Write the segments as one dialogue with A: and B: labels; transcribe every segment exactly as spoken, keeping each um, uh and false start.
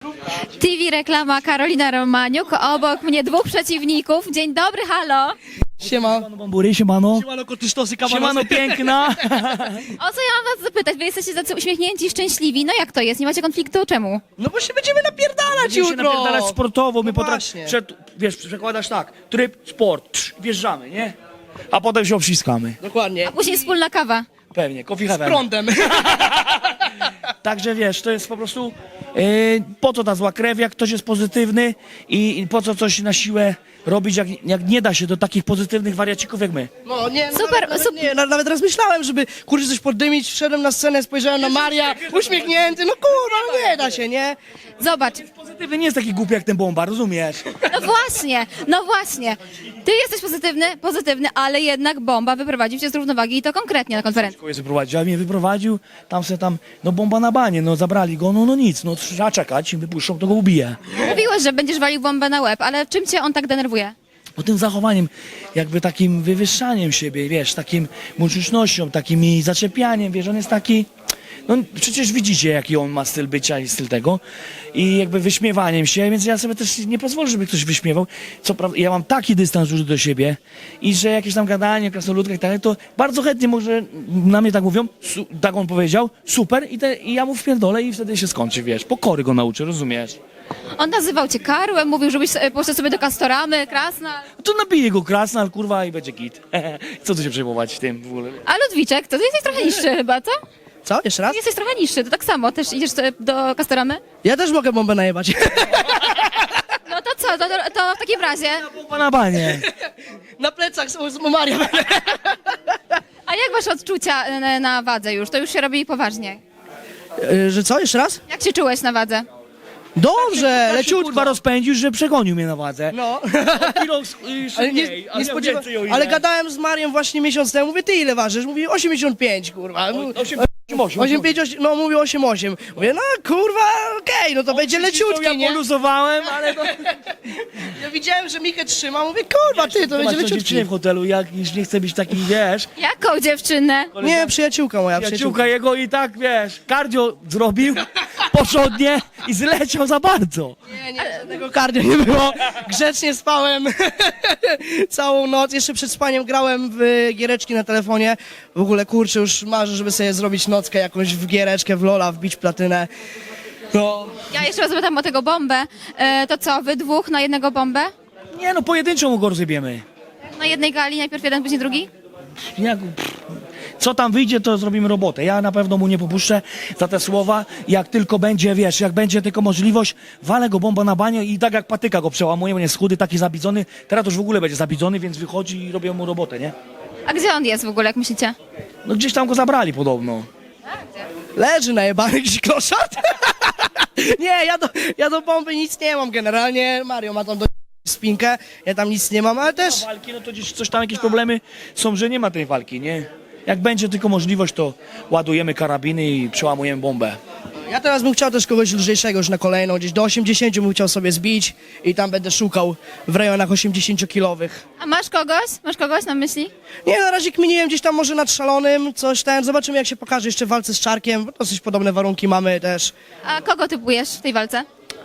A: T V reklama Karolina Romaniuk, obok mnie dwóch przeciwników. Dzień dobry, halo.
B: Siema.
C: Siemano Bambury, siemano.
B: Siemano kotysztosy, kabanosy.
C: Siemano piękna.
A: O co ja mam was zapytać? Wy jesteście tacy uśmiechnięci i szczęśliwi. No jak to jest? Nie macie konfliktu? Czemu?
B: No bo się będziemy napierdalać
C: Będziemy się
B: jutro.
C: napierdalać sportowo, my
B: No
C: potrafimy,
B: właśnie.
C: wiesz, przekładasz tak, tryb, sport, trz, wjeżdżamy, nie? A potem się obciskamy.
B: Dokładnie.
A: Później wspólna kawa.
C: Pewnie, coffee heaven.
B: Prądem.
C: Także wiesz, to jest po prostu, yy, po co ta zła krew, jak ktoś jest pozytywny i, i po co coś na siłę robić, jak, jak nie da się do takich pozytywnych wariacików jak my.
B: No nie,
A: Super,
B: nawet, nawet,
A: super.
B: nie, na- nawet raz myślałem, żeby kurczę coś poddymić, wszedłem na scenę, spojrzałem na Maria, uśmiechnięty, no kurwa, no nie da się, nie?
A: Zobacz.
C: Pozytywny nie jest taki głupi jak ten bomba, rozumiesz?
A: No właśnie, no właśnie. Ty jesteś pozytywny, pozytywny, ale jednak bomba wyprowadził cię z równowagi i to konkretnie na konferencji.
C: Kogoś wyprowadził, a mnie wyprowadził, tam se tam, no bomba na banie, no zabrali go, no no nic, no trzeba czekać, im wypuszczą, to go ubije.
A: Mówiłeś, że będziesz walił bombę na łeb, ale czym cię on tak denerwuje?
C: Bo tym zachowaniem, jakby takim wywyższaniem siebie, wiesz, takim muczycznością, takim zaczepianiem, wiesz, on jest taki, no przecież widzicie, jaki on ma styl bycia i styl tego i jakby wyśmiewaniem się, więc ja sobie też nie pozwolę, żeby ktoś wyśmiewał. Co prawda, ja mam taki dystans już do siebie i że jakieś tam gadanie, krasnoludka i tak dalej, to bardzo chętnie może na mnie tak mówią, su, tak on powiedział, super i, te, i ja mu wpierdolę i wtedy się skończy, wiesz, pokory go nauczę, rozumiesz?
A: On nazywał cię karłem, mówił, żebyś e, poszedł sobie do Kastoramy, Krasna.
C: To nabije go krasnal, kurwa, i będzie git. Co tu się przejmować w tym w ogóle?
A: A Ludwiczek, to ty jesteś trochę niższy chyba, co?
B: Co, jeszcze raz?
A: Ty jesteś trochę niższy, to tak samo, też idziesz e, do Kastoramy?
B: Ja też mogę bombę najebać.
A: No to co, to, to, to w takim razie,
C: Bomba na banie.
B: Na plecach z, z Maria.
A: a jak wasze odczucia e, na, na wadze już? To już się robi poważnie.
B: Yy, Że co, jeszcze raz?
A: Jak się czułeś na wadze?
B: Dobrze,
C: Leciutko
B: leciutko.
C: rozpędził, że przegonił mnie na wadze.
B: No.
C: Kilo, y,
B: Ale nie,
C: szybciej, a
B: nie
C: ja
B: spodziewa...
C: więcej o ile.
B: Ale gadałem z Marią właśnie miesiąc temu, mówię, ty ile ważysz? Mówi osiemdziesiąt pięć, kurwa.
C: osiem, osiem,
B: osiem pięć, no mówi osiem osiem. Mówię, no kurwa, okej, no to będzie
C: Ja
B: leciutki, nie?
C: poluzowałem, ale to...
B: Ja widziałem, że Michę trzyma, mówię, kurwa, ty, to
C: Zobacz,
B: będzie
C: to
B: leciutki.
C: dziewczyny w hotelu, jak już nie chce być taki, wiesz...
A: Jaką dziewczynę?
B: Nie, przyjaciółka moja, przyjaciółka.
C: Przyjaciółka jego i tak, wiesz, kardio zrobił porządnie i zleciał za bardzo.
B: Nie, nie, żadnego kardio nie było. Grzecznie spałem całą noc. Jeszcze przed spaniem grałem w giereczki na telefonie. W ogóle, kurczę, już marzę, żeby sobie zrobić nockę jakąś w giereczkę, w Lola, wbić platynę. No,
A: Ja jeszcze raz zapytam o tego bombę. E, to co, wy dwóch na jednego bombę?
C: Nie no, pojedynczą go rozjebiemy.
A: Na jednej gali, najpierw jeden, później drugi?
C: Jak, pff, co tam wyjdzie, to zrobimy robotę. Ja na pewno mu nie popuszczę za te słowa. Jak tylko będzie, wiesz, jak będzie tylko możliwość, walę go bomba na banie i tak jak patyka go przełamuje, bo nie jest chudy, taki zabidzony. Teraz to już w ogóle będzie zabidzony, więc wychodzi i robią mu robotę, nie?
A: A gdzie on jest w ogóle, jak myślicie?
C: No gdzieś tam go zabrali podobno.
B: leży najebany jakiś kloszard. Nie, ja do, ja do bomby nic nie mam generalnie. Mario ma tam do spinkę, ja tam nic nie mam, ale też...
C: Walki, no to gdzieś coś tam, jakieś problemy są, że nie ma tej walki, nie? Jak będzie tylko możliwość, to ładujemy karabiny i przełamujemy bombę.
B: Ja teraz bym chciał też kogoś lżejszego już na kolejną, gdzieś do osiemdziesięciu bym chciał sobie zbić i tam będę szukał w rejonach osiemdziesięciokilowych.
A: A masz kogoś? Masz kogoś na myśli?
B: Nie, na razie kminiłem gdzieś tam może nad Szalonym, coś ten, zobaczymy jak się pokaże jeszcze w walce z Czarkiem, bo dosyć podobne warunki mamy też.
A: A kogo typujesz w tej walce?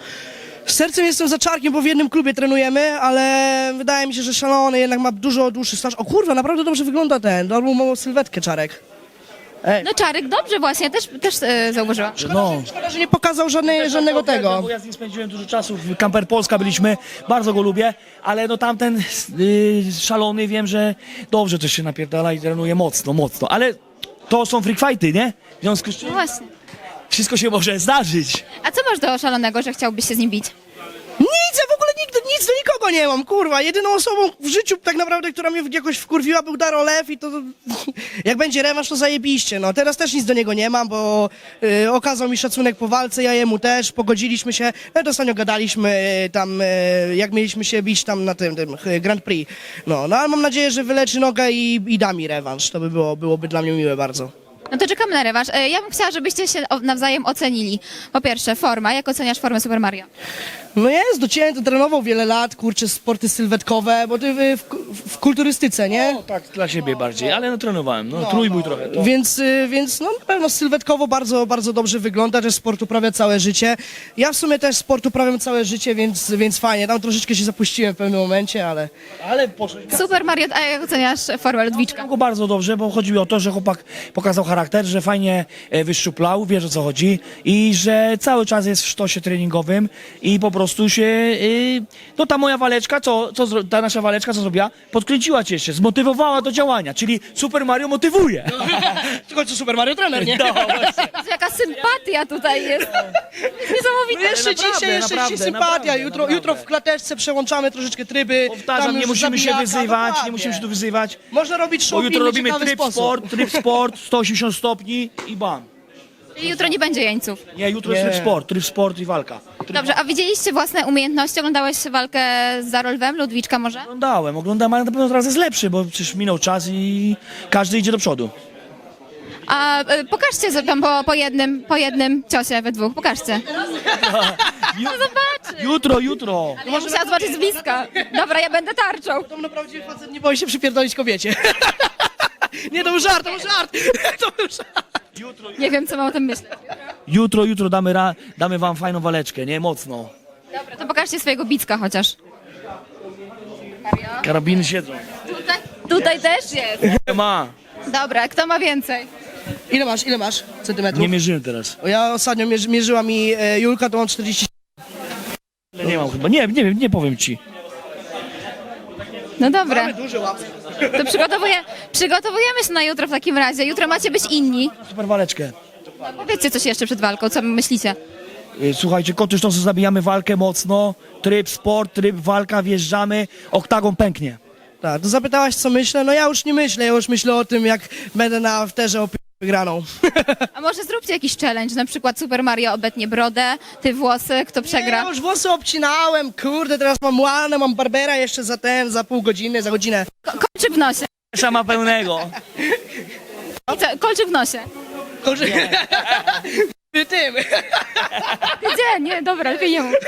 B: Z sercem jestem za Czarkiem, bo w jednym klubie trenujemy, ale wydaje mi się, że Szalony jednak ma dużo dłuższy staż. O kurwa, naprawdę dobrze wygląda ten, dobrą małą sylwetkę Czarek. Ej.
A: No Czarek, dobrze właśnie, też, też e, zauważyłam.
C: No.
B: Szkoda, że nie pokazał żadnej, żadnego tego.
C: Bo ja z nim spędziłem dużo czasu, w Camper Polska byliśmy, bardzo go lubię, ale no tamten yy, szalony, wiem, że dobrze też się napierdala i trenuje mocno, mocno, ale to są freak fighty, nie? W związku z czym
A: No właśnie.
C: wszystko się może zdarzyć.
A: A co masz do Szalonego, że chciałbyś się z nim bić?
B: Nic, ja w ogóle nigdy, nic do nikogo nie mam, kurwa. Jedyną osobą w życiu tak naprawdę, która mnie jakoś wkurwiła, był Daro Lew i to, to jak będzie rewanż, to zajebiście. No teraz też nic do niego nie mam, bo y, okazał mi szacunek po walce, ja jemu też, pogodziliśmy się. Nawet ostatnio gadaliśmy y, tam, y, jak mieliśmy się bić tam na tym, tym y, Grand Prix. No, no ale mam nadzieję, że wyleczy nogę i, i da mi rewanż. To by było, byłoby dla mnie miłe bardzo.
A: No to czekamy na rewanż. E, Ja bym chciała, żebyście się o- nawzajem ocenili. Po pierwsze, forma. Jak oceniasz formę Super Mario?
B: No jest, docięty, trenował wiele lat, kurczę, sporty sylwetkowe, bo ty w, w, w kulturystyce, nie?
C: No tak, dla siebie bardziej, ale no trenowałem, no, trójbój trochę. To.
B: Więc, y, więc no na pewno sylwetkowo bardzo, bardzo dobrze wygląda, też sport uprawia całe życie. Ja w sumie też sport uprawiam całe życie, więc, więc fajnie. Tam troszeczkę się zapuściłem w pewnym momencie, ale...
C: Ale poszedł.
A: Super Mario, a jak oceniasz formę Ludwiczka?
C: Znam go bardzo dobrze, bo chodziło o to, że chłopak pokazał charakter, że fajnie e, wyszczuplał, wie o co chodzi i że cały czas jest w sztosie treningowym i po prostu się, y, no ta moja waleczka, co, co, zro- ta nasza waleczka, co zrobiła, podkręciła cię jeszcze, zmotywowała do działania, czyli Super Mario motywuje.
B: Tylko co Super Mario trener, nie?
C: No, właśnie.
A: Jezu, jaka sympatia tutaj jest. Jest niesamowite.
B: Jeszcze
C: naprawdę,
B: dzisiaj, jeszcze
C: naprawdę,
B: dzisiaj sympatia.
C: naprawdę,
B: jutro,
C: naprawdę.
B: jutro w klateczce przełączamy troszeczkę tryby.
C: Powtarzam,
B: tam
C: nie
B: już
C: musimy się
B: zabijaka,
C: wyzywać,
B: dokładnie.
C: nie musimy się tu wyzywać,
B: Można robić show
C: bo
B: w
C: jutro
B: inny
C: robimy
B: ciekawy
C: tryb
B: sposób.
C: sport, tryb sport, sto osiemdziesiąt stopni i bam.
A: Czyli jutro nie będzie jeńców.
C: Nie, jutro jest
B: Nie.
C: tryb sport, tryb sport i walka. Tryb
A: Dobrze, a widzieliście własne umiejętności? Oglądałeś walkę z Zarolwem, Ludwiczka może?
C: Oglądałem, oglądałem, ale na pewno teraz jest lepszy, bo przecież minął czas i każdy idzie do przodu.
A: A y, pokażcie sobie tam po, po, jednym, po jednym ciosie we dwóch, pokażcie.
C: Ju-
A: Zobaczy.
C: Jutro, jutro.
A: Ale ja musiała zobaczyć z bliska. Dobra, ja będę tarczą.
B: To naprawdę facet nie boi się przypierdolić kobiecie. Nie, to był żart, to był żart. To był żart.
A: Nie wiem, co mam o tym myśleć.
C: Jutro, jutro damy, ra, damy wam fajną waleczkę, nie? Mocno.
A: Dobra, to pokażcie swojego bicka chociaż.
C: Karabiny siedzą.
A: Tutaj, tutaj też jest.
C: Ma.
A: Dobra, kto ma więcej?
B: Ile masz, ile masz centymetrów?
C: Nie mierzyłem teraz.
B: O, ja ostatnio mierzy, mierzyła mi e, Julka, to mam czterdzieści.
C: Ale nie mam chyba. Nie, nie wiem, nie powiem ci.
A: No dobra,
B: Duże łapy.
A: to przygotowuję, przygotowujemy się na jutro w takim razie. Jutro macie być inni.
C: Super waleczkę.
A: Powiedzcie coś jeszcze przed walką, co myślicie?
C: Y, Słuchajcie, koty sztosy, zabijamy walkę mocno. Tryb sport, tryb walka, wjeżdżamy. Oktagon pęknie.
B: Tak, to zapytałaś co myślę, no ja już nie myślę, ja już myślę o tym, jak będę na afterze o p- wygraną.
A: A może zróbcie jakiś challenge, na przykład Super Mario obetnie brodę, ty włosy, kto
B: Ja
A: przegra?
B: już włosy obcinałem, kurde, teraz mam łanę, mam barbera jeszcze za ten, za pół godziny, za godzinę.
A: Ko- kolczyk w nosie.
C: Szama pełnego.
A: I co, kolczyk w nosie.
B: Kurde. Tym.
A: Gdzie? Nie, dobra, lepiej nie mów.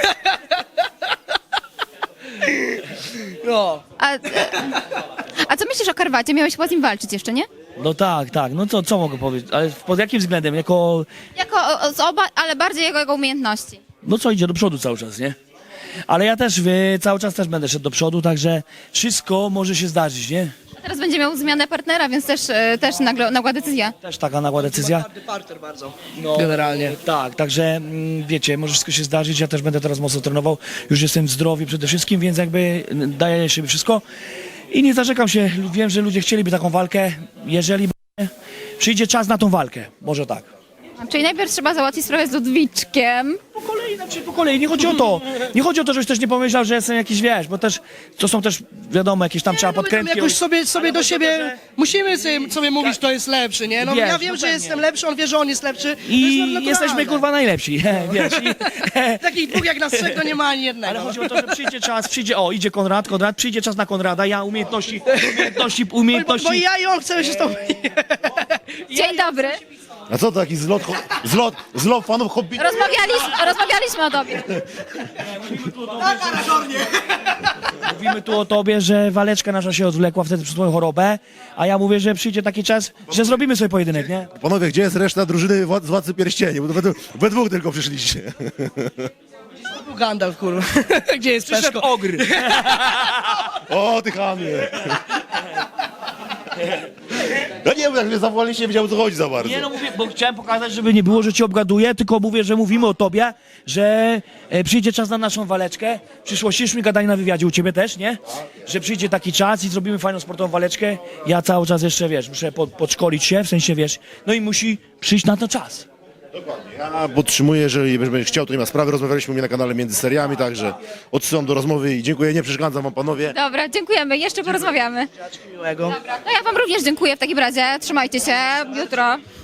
B: No.
A: A, e, a co myślisz o Karwacie? Miałeś chyba z nim walczyć jeszcze, nie?
C: No tak, tak. No co, co mogę powiedzieć? Ale pod jakim względem? Jako...
A: Jako o, z oba, ale bardziej jego, jego umiejętności.
C: No co, idzie do przodu cały czas, nie? Ale ja też y, cały czas też będę szedł do przodu, także wszystko może się zdarzyć, nie?
A: A teraz będzie miał zmianę partnera, więc też, e, też nagła, nagła decyzja.
C: Też taka nagła decyzja.
B: Twardy parter bardzo.
C: No,
B: Generalnie.
C: Tak, także mm, wiecie, może wszystko się zdarzyć, ja też będę teraz mocno trenował, już jestem zdrowy przede wszystkim, więc jakby mm, daję siebie wszystko i nie zarzekam się, wiem, że ludzie chcieliby taką walkę, jeżeli będzie, przyjdzie czas na tą walkę, może tak.
A: Czyli najpierw trzeba załatwić sprawę z Ludwiczkiem.
C: Po kolei, znaczy po kolei, nie chodzi o to, nie chodzi o to, żebyś też nie pomyślał, że jestem jakiś, wiesz, bo też, to są też, wiadomo, jakieś tam trzeba
B: No my tam
C: podkrętki.
B: jakoś sobie, sobie
C: Ale
B: do
C: chodzi o
B: siebie,
C: to, że-
B: musimy sobie, sobie mówić, kto jest lepszy, nie? No
C: Wiesz,
B: ja wiem,
C: no
B: że
C: pewnie.
B: jestem lepszy, on wie, że on jest lepszy. To jest
C: I
B: naturalne.
C: jesteśmy kurwa najlepsi, wiesz. I,
B: Takich dwóch jak nas trzech, to nie ma ani jednego.
C: ale chodzi o to, że przyjdzie czas, przyjdzie, o, idzie Konrad, Konrad, przyjdzie czas na Konrada, ja umiejętności, umiejętności,
B: Bo,
C: umiejętności.
B: bo ja i on chcemy się z tobą...
A: Dzień dobry.
D: A co to taki zlot, ho- zlot, zlot fanów hobby?
A: Rozmawialiśmy, rozmawialiśmy o tobie.
C: Mówimy tu o tobie, że waleczka nasza się odwlekła wtedy przez twoją chorobę, a ja mówię, że przyjdzie taki czas, że zrobimy sobie pojedynek, nie?
D: Panowie, gdzie jest reszta drużyny wła- z Władcy Pierścieni? Bo to we, we dwóch tylko przyszliście.
B: Gandalf, kurwa. Gdzie jest
C: Przyszedł
B: Peszko?
C: ogr.
D: O, ty chamie. Ja nie wiem, jak mnie zawołaliście, nie wiedziałem, o co chodzi za bardzo.
C: Nie no, mówię, bo chciałem pokazać, żeby nie było, że cię obgaduję, tylko mówię, że mówimy o tobie, że e, przyjdzie czas na naszą waleczkę. W przyszłości już mi gadali na wywiadzie, u ciebie też, nie? Że przyjdzie taki czas i zrobimy fajną sportową waleczkę. Ja cały czas jeszcze, wiesz, muszę pod, podszkolić się, w sensie, wiesz, no i musi przyjść na to czas.
D: Ja podtrzymuję, jeżeli będziesz chciał, to nie ma sprawy. Rozmawialiśmy u mnie na kanale między seriami, także odsyłam do rozmowy i dziękuję, nie przeszkadzam wam, panowie.
A: Dobra, dziękujemy. Jeszcze porozmawiamy.
B: Miłego.
A: Dobra, no ja wam również dziękuję w takim razie. Trzymajcie się. Jutro.